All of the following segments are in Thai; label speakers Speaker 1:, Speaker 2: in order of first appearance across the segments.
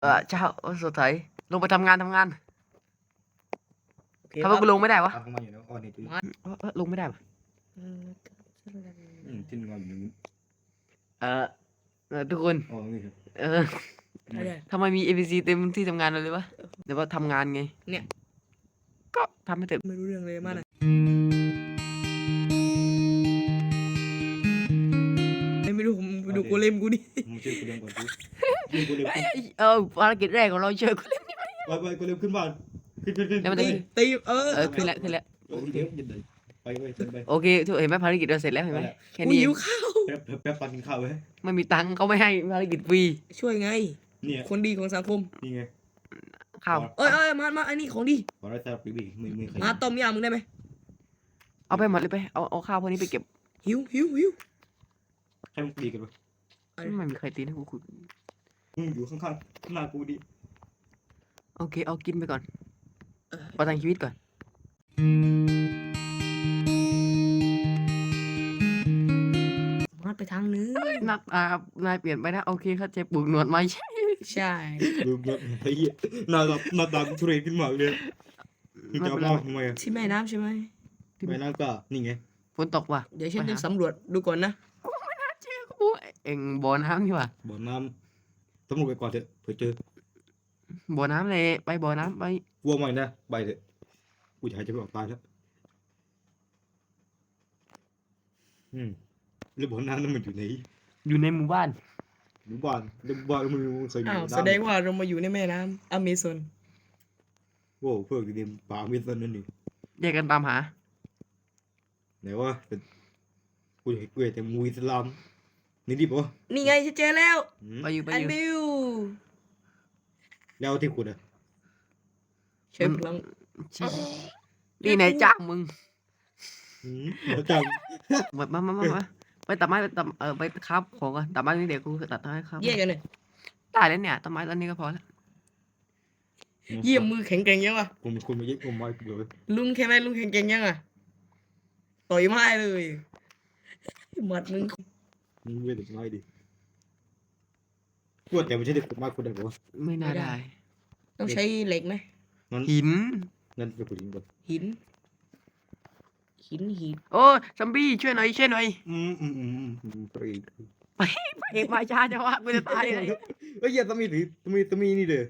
Speaker 1: เช้าสดใสลงไปทำงาน
Speaker 2: โอเค
Speaker 1: ทำไม
Speaker 2: ปั๊บ
Speaker 1: กูลงไม่ได้วะ
Speaker 3: ทำมาอยู่แล้วอ๋อนี่คือ
Speaker 1: ลงไม่ได้วะ
Speaker 3: ที่นอนอยู่นี่
Speaker 1: ทุกคน
Speaker 3: อ๋อนี่ครับ
Speaker 2: อะไร
Speaker 1: ทำไมมี APC เต็มที่ทำงานเลยวะเดี๋ยวว่าทำงานไง
Speaker 2: เนี่ย
Speaker 1: ก็ทำให้เสร็จ
Speaker 2: ไม่รู้เรื่องเลยมากนะไม่รู้ผมไปดูโกเลมกูดิ
Speaker 3: มึงช่วยกูเลี้ยงก่อนสิช่วยกูเลี้ยง
Speaker 1: ภารกิจแรกของเราเจอกูเลย
Speaker 3: ไปกูเลี้ยงขึ้นบ้านขึ้น
Speaker 1: แล้วมัน
Speaker 2: ตี
Speaker 1: จะ
Speaker 2: ตี
Speaker 1: ขึ้นแล้ว
Speaker 3: โอเคไปขึ้นไป
Speaker 1: โอเคทุกเห็นไหมภารกิจเราเสร็จแล้วเห็นไหมแค่
Speaker 2: กู
Speaker 1: นี้เอ
Speaker 2: หิ
Speaker 1: ง
Speaker 2: วข้าว
Speaker 3: แป๊บปันกินข้าวไว้
Speaker 1: ไม่มีตังค์เขาไม่ให้ภารกิจฟรี
Speaker 2: ช่วยไง
Speaker 3: เนี่ย
Speaker 2: คนดีของสังคม
Speaker 3: นี่ไง
Speaker 1: ข้าว
Speaker 2: เอ้ยมาอันนี้ของดี
Speaker 3: ขอได้แต่ปีบีมือใคร
Speaker 2: มาต้มยำมึงได้ไหม
Speaker 1: เอาไปหมดเลยไปเอาข้าวพวกนี้ไปเก็บ
Speaker 2: หิว
Speaker 3: ให้มึงตีกันปะ
Speaker 1: ไม่มีใครตีนะกูคุย
Speaker 3: มึงอยู่ข้างๆหน้ากูดิ
Speaker 1: โอเคเอากินไปก่อนประทังชีวิตก่อน
Speaker 2: มาไปทางนึง
Speaker 1: นายเปลี่ยนไปนะโอเคเข้าใจปลูกหนวดไหม
Speaker 2: ใช่
Speaker 3: ดูแบบไอ้เหี้ยหน้าตาทุเรศขึ้นมากเลยมึงจะเอามาทำไมอ่ะ
Speaker 2: ที่แม่น้ำใช่ไหม
Speaker 3: ไม่น่าก็นี่ไง
Speaker 1: ฝนตกว่ะ
Speaker 2: เดี๋ยวฉันจะสำรวจดูก่อนนะ
Speaker 1: กูเอ็งบ่อน้ำนี่ว่ะ
Speaker 3: บ่อน้ำตำรวจไปก่อนเถอะเผื่อเจอ
Speaker 1: บ่อน้ำเลยไปบ่อน้ำไป
Speaker 3: วัวใหม่นะไปเถอะกูจะหายใจไม่ออกตายแล้วแล้วบ่อน้ำนั้นมันอยู่ไหน
Speaker 1: อยู่ในหมู่บ้าน
Speaker 3: หมู่บ้านแล้วบ้านมึงเคยมี
Speaker 2: อ้าว
Speaker 3: น้ำ
Speaker 2: แสดงว่าเรามาอยู่ในแม่น้ำอเมซอน
Speaker 3: โว้เพื่อนเรียนป่าเมซอนนั่นนี่
Speaker 1: แยกกันตามหา
Speaker 3: ไหนวะแต่กูเห็นกูเห็นแต่มูอิสลามนี่ดิบวะ
Speaker 2: นี่ไงฉันเจอแล้ว
Speaker 1: ไปอยู่
Speaker 2: อันบิว
Speaker 3: แล้วที่ขุดอ่ะ
Speaker 2: ใช้พลัง
Speaker 1: นี่นายจ้างมึง
Speaker 3: แล้วจัง
Speaker 1: มาไปตัดไม้ไปตัดไปครับของกันตัดไม้นี่เดี๋ยวกูตัดให้ครับ
Speaker 2: แยกกันเลย
Speaker 1: ได้แล้วเนี่ยตัดไม้ตอนนี้ก็พอแล้ว
Speaker 2: เยี่ยมมือแข็งแกร่งยังวะ
Speaker 3: ผมเป็นคนมาเย็บผมมากูเลย
Speaker 2: ลุงแค่ไหมลุงแข็งแกร่งยังอ่ะต่อยไม้เลยหมัดมึง
Speaker 3: มึงเว้ยเด็กน้อยดิกูแต่ไม่ใช่เด็กขุดมากขุดได้ปะ
Speaker 1: ไม่น่าได้
Speaker 2: ต้องใช้เหล็กไหม
Speaker 1: หิน
Speaker 3: งั้นไปขุดหินก่อน
Speaker 2: หิน
Speaker 1: โอ้ซัมบี้ช่วยหน่อยไปมาช้าจังวะกูจะตายเลย
Speaker 3: เฮ้ยอย่าตะมีนี่เด้อ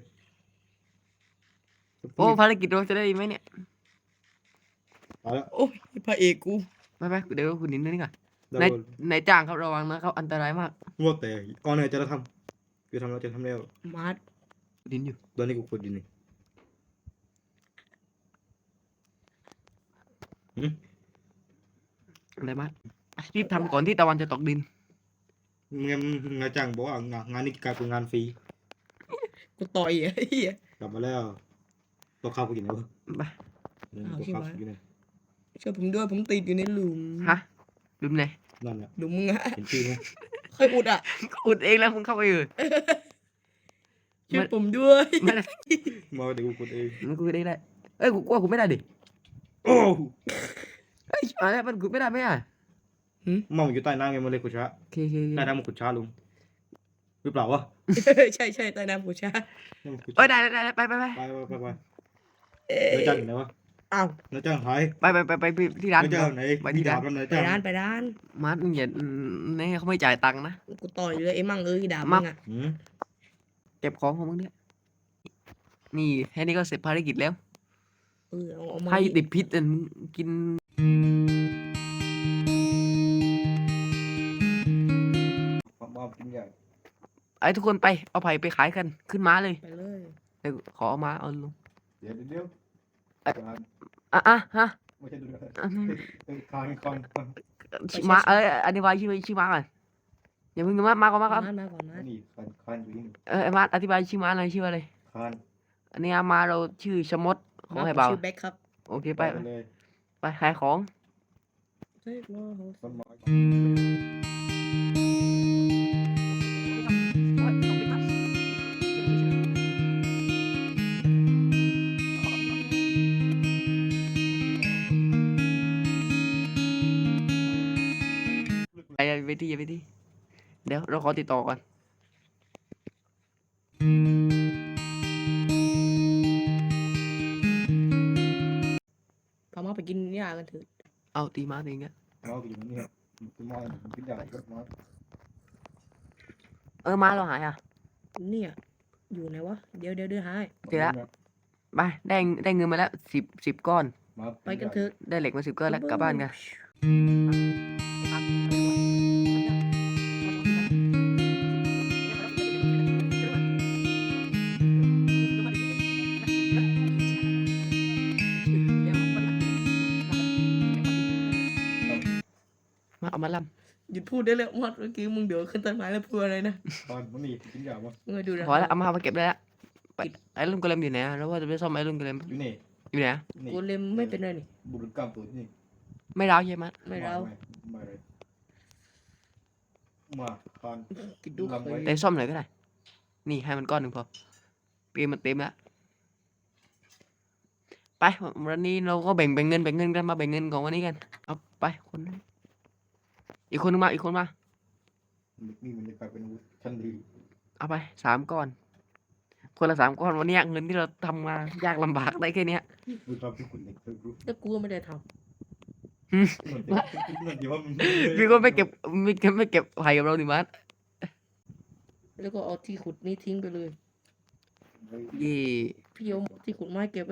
Speaker 1: โอ้ภารกิจเราจะได้ไหมเนี่ย
Speaker 3: เอาละ
Speaker 2: โอ้ยพระเอกกู
Speaker 1: ไปเดี๋ยวคุณนินนี่ก่อน
Speaker 3: ได้
Speaker 1: นายจ้างครับระวังนะครับอันตรายมาก
Speaker 3: งัวแต่ก่อนเนี่ยจะทำคือทำแล้วจะทำแล้ว
Speaker 2: มาร์ท
Speaker 1: ดินอยู่
Speaker 3: ตอนนี้กูขุดดินนี่
Speaker 1: อะไรบ้างรีบทำก่อนที่ตะวันจะตกดิน
Speaker 3: งานจ้างบอกว่างานนี้กลายเป็นงานฟรี
Speaker 2: กูต่อยไอ้เหี้ย
Speaker 3: กลับมาแล้วตัวข้าวกูกินแล้ว
Speaker 1: ไป
Speaker 3: ตัวข้าวกูกินเลย
Speaker 2: ช่วยผมด้วยผมติดอยู่ในหลุม
Speaker 1: ฮะลืมเลย
Speaker 3: นั่นแหละ
Speaker 2: หลุมมึงอะ
Speaker 3: เห็นชื่อไหม
Speaker 2: ค่อยอุดอ่ะ
Speaker 1: อุดเองแล้วมึงเข้าไปเลย
Speaker 2: ช่วยผมด้วย
Speaker 1: ไม่ได้
Speaker 3: มาเดี๋ยวกูขุดเอง
Speaker 1: มันกูได้เอ้ยกูกลัวกูไม่ได้ดิ
Speaker 3: โอ้
Speaker 1: เฮ้ยอะไรมันกูไม่ได้ไหมอ่ะ
Speaker 3: มันอยู่ใต้น้ำไงมันเลยขุดช้า
Speaker 1: โอเค
Speaker 3: ใต้น้ำมันขุดช้าลุงหรือเปล่าวะ
Speaker 2: ใช่ใต้น้ำกูชา
Speaker 1: เอ้ยได้ไป
Speaker 3: ไปเนื้อจ้างอยู่ไหนวะ
Speaker 2: อ้าว
Speaker 3: เนื้อจ้างหาย
Speaker 1: ไปที่ร้าน
Speaker 3: เนื้อจ้างไหน
Speaker 1: ไปที่ร้าน
Speaker 3: เนื้อ
Speaker 2: ไป
Speaker 3: จ้าง
Speaker 2: ร้านไปร้าน
Speaker 1: มาร์ทมึงอย่าเนี่ยเขาไม่จ่ายตังค์นะ
Speaker 2: กูต่อยเลยไอ้มั่งด่ามึงอ่ะ
Speaker 1: เก็บของของมึงเนี่ยนี่แค่นี้ก็เสร็จภารกิจแล้ว
Speaker 2: เอามา
Speaker 1: ให้ติดพิษมึงกินไอ้ทุกคนไปเอาไผ่ไปขายกันขึ้นม้าเลย
Speaker 2: ไปเลย
Speaker 1: เดี๋ยวขอเอามาเอาลง
Speaker 3: เดี๋ยว
Speaker 1: ฮะ
Speaker 3: ไม่ใช่ดูด้วยคอน
Speaker 1: ม้าอธิบายชื่อม้าก่อนอย่าเพิ่งมาก่อนครับ
Speaker 2: มาก่อนนะ
Speaker 3: นี่คอนอยู่นี่
Speaker 1: ไอ้ม้าอธิบายชื่อม้าหน่อยชื่ออะไร
Speaker 3: คอน
Speaker 1: อันนี้ม้าเราชื่อชะมดของไอ้เบา
Speaker 2: ชื่อแบ็คครับ
Speaker 1: โอเคไป
Speaker 3: เลย
Speaker 1: ขายของ
Speaker 3: ต้นไม้
Speaker 1: ไปที่เดี๋ยวเราขอติดต่อก่อน
Speaker 2: ยากันเถอะ
Speaker 1: เอาตีม้าตีอย่างเงี้ย
Speaker 3: เอาอยู่นี่ครับเป็นม้าเป็นอย่างก็ม้า
Speaker 1: ม้าเราหายอ่ะ
Speaker 2: เนี่ยอยู่ไหนวะเดี๋ยวหาย
Speaker 1: เจอละ ไปได้เงินมาแล้วสิบก้อน
Speaker 2: ไปกันเถอะ
Speaker 1: ได้เหล็กมา10ก้อนแล้วกลับบ้านกันมาเอามาล่
Speaker 2: หยุดพูดได้แล้วมอดเมื่อกี้มึงเดี๋ยวขึ้นต้นไม้แล้วพูดอะไรนะ
Speaker 3: ตอนมันนี่กินอย่างวะ
Speaker 2: มึงมาดูนะ
Speaker 1: ำพอแล้วเอามาเก็บได้แล้วไปไอ้รุ่นกระเลมอยู่ไหนอะแล้วว่าจะไปซ่อมไอ้รุ่นกระเลม
Speaker 3: อยู่นี่
Speaker 1: อยู่ไหนอะ
Speaker 3: นี่
Speaker 2: กูเลมไม่เป็นไรนี่
Speaker 3: บุรุษกรรมตัวนี่
Speaker 1: ไม่ร้าวใช่ไหม
Speaker 2: ไม่เรา
Speaker 3: ไม่เลยมาคาน
Speaker 2: กินดู
Speaker 3: ลำไว้
Speaker 1: แต่ซ่อมหน่อยก็ได้นี่ให้มันก้อนหนึ่งพอเปมันเต็มแล้วไปวันนี้เราก็แบ่งเงินกันมาแบ่งเงินของวันนี้กันเอาไปคนนึงอีกคนนึงมา
Speaker 3: นี่มันจะกลายเป็นอาวุธชั้นดี
Speaker 1: เอาไป3 ก้อน คนละ3 ก้อนวันนี้เงินที่เราทำมายากลำบากได้แค่เนี้ย
Speaker 3: ดูทำที่คุณเด็กเธอรู้
Speaker 2: แล้วกูไม่ได้ท
Speaker 3: เหมือนเดี๋ยวว่ามัน
Speaker 1: พี่ก็ไม่เก็บไผ่กับเราดิมัส
Speaker 2: ำแล้วก็เอาที่ขุดนี้ทิ้งไปเลย
Speaker 1: ยี่
Speaker 2: พี่เอาที่ขุดไม้เก็บ